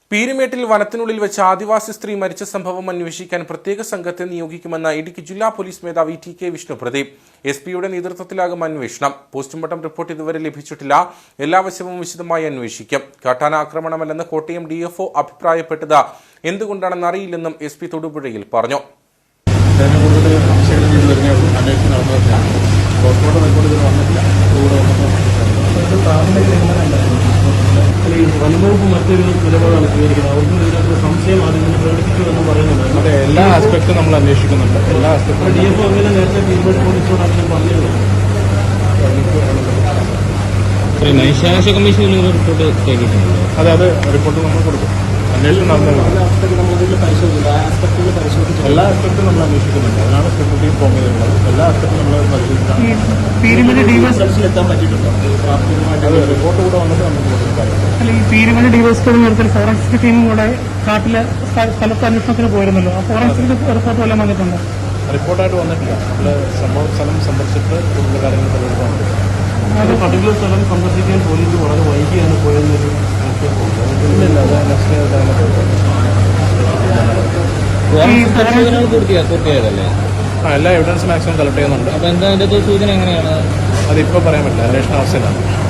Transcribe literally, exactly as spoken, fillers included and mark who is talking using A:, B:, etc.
A: പീരുമേട്ടിൽ വനത്തിനുള്ളിൽ വെച്ച് ആദിവാസി സ്ത്രീ മരിച്ച സംഭവം അന്വേഷിക്കാൻ പ്രത്യേക സംഘത്തെ നിയോഗിക്കുമെന്ന് ഇടുക്കി ജില്ലാ പോലീസ് മേധാവി ടി കെ വിഷ്ണുപ്രദീപ്. എസ് പിയുടെ നേതൃത്വത്തിലാകും അന്വേഷണം. പോസ്റ്റ്മോർട്ടം റിപ്പോർട്ട് ഇതുവരെ ലഭിച്ചിട്ടില്ല. എല്ലാ വശവും വിശദമായി അന്വേഷിക്കും. കാട്ടാന ആക്രമണമല്ലെന്ന് കോട്ടയം ഡി എഫ് ഒ അഭിപ്രായപ്പെട്ടത് എന്തുകൊണ്ടാണെന്ന് അറിയില്ലെന്നും എസ് പി തൊടുപുഴയിൽ പറഞ്ഞു.
B: വനംവകുപ്പ് മറ്റൊരു നിലപാടാണ് സ്വീകരിക്കുന്നത്. അവർക്കും ഇതിനകത്ത് സംശയം ആദ്യം തന്നെ പ്രകടിപ്പിക്കുമെന്ന് പറയുന്നുണ്ട്.
C: അതെ, എല്ലാ ആസ്പെക്ടും നമ്മൾ അന്വേഷിക്കുന്നുണ്ട്. എല്ലാ ആസ്പെക്ടും
B: ഡി എഫ് ഒ അങ്ങനെ നേരത്തെ പീരുമേട് പോലീസിനോട് അങ്ങനെ പറഞ്ഞിരുന്നു.
D: മനുഷ്യാവകാശ കമ്മീഷനിൽ റിപ്പോർട്ട് കേട്ടിട്ടുണ്ടല്ലോ.
C: അതെ, അത് റിപ്പോർട്ട് നമ്മൾ കൊടുക്കും. അന്വേഷണം നടന്നു. എല്ലാ ആസ്പെക്ടും നമ്മൾ അന്വേഷിക്കുന്നുണ്ട്. അതിനാണ് സെക്യൂരിറ്റി ഫോം ചെയ്തിട്ടുള്ളത്. എല്ലാ ആസ്പെക്ടും നമ്മൾ പരിശോധിച്ചാണ്. റിപ്പോർട്ട് കൂടെ വന്നിട്ട് നമുക്ക് കൊടുക്കാം.
E: ഈ പീരുമേട് ഡിവൈഎസ്പിയുടെ നേതൃത്വത്തിൽ ഫോറൻസിക് ടീമും കൂടെ കാട്ടിലെ സ്ഥലത്ത് അന്വേഷണത്തിന് പോയിരുന്നല്ലോ. ആ ഫോറൻസിക് റിപ്പോർട്ട് വല്ലതും വന്നിട്ടുണ്ടോ?
C: റിപ്പോർട്ടായിട്ട് വന്നിട്ടില്ല. നമ്മൾ സംഭവ സ്ഥലം സന്ദർശിച്ചിട്ട് കൂടുതൽ കാര്യങ്ങൾ തെളിയിക്കാൻ
B: അത് പർട്ടിക്കുലർ സ്ഥലം സന്ദർശിക്കാൻ പോലീസ് വളരെ വൈകിയാണ് പോയെന്നൊരു
C: ഇല്ല. അത് നെക്സ്റ്റ്
D: പൂർത്തിയായതല്ലേ?
C: ആ എല്ലാ എവിഡൻസ് മാക്സിമം കളക്ട് ചെയ്യുന്നുണ്ട്.
D: അപ്പൊ എന്താ അതിന്റെ സൂചന എങ്ങനെയാണ്?
C: അതിപ്പോൾ പറയാൻ പറ്റില്ല. അന്വേഷണ അവസ്ഥയിലാണ്.